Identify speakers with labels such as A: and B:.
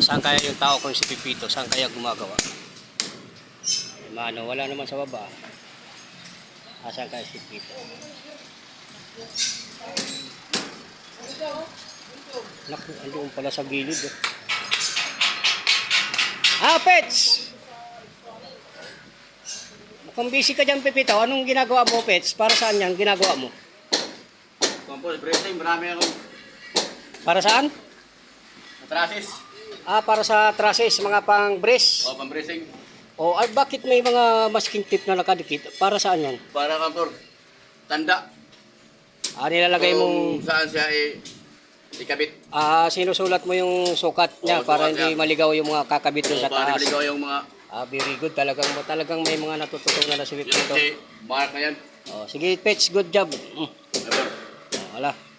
A: Saan kaya yung tao kung si Pipito? Saan kaya gumagawa? Mano, wala naman sa baba. Saan kaya si Pipito? Naku, andun pala sa gilid. Pets! Kung busy ka dyan, Pipito, anong ginagawa mo, Pets? Para saan yan ginagawa mo?
B: Compost, bracing, marami akong
A: Para saan?
B: matrasis.
A: Para sa trusses, mga pang-brace.
B: O, pang-bracing.
A: Ay, bakit may mga masking tip na nakadikit? Para saan yan?
B: Para kampor, tanda.
A: Nilalagay
B: Kung
A: mong...
B: saan siya ikabit.
A: Sinusulat mo yung sukat niya para
B: sukat
A: hindi
B: niya.
A: maligaw yung mga kakabit dun sa
B: Para
A: taas.
B: maligaw yung mga
A: Very good. Talagang may mga natututunan na si Pipito.
B: mark na yan.
A: Sige, Pets, good job.
B: Kampor.
A: Wala.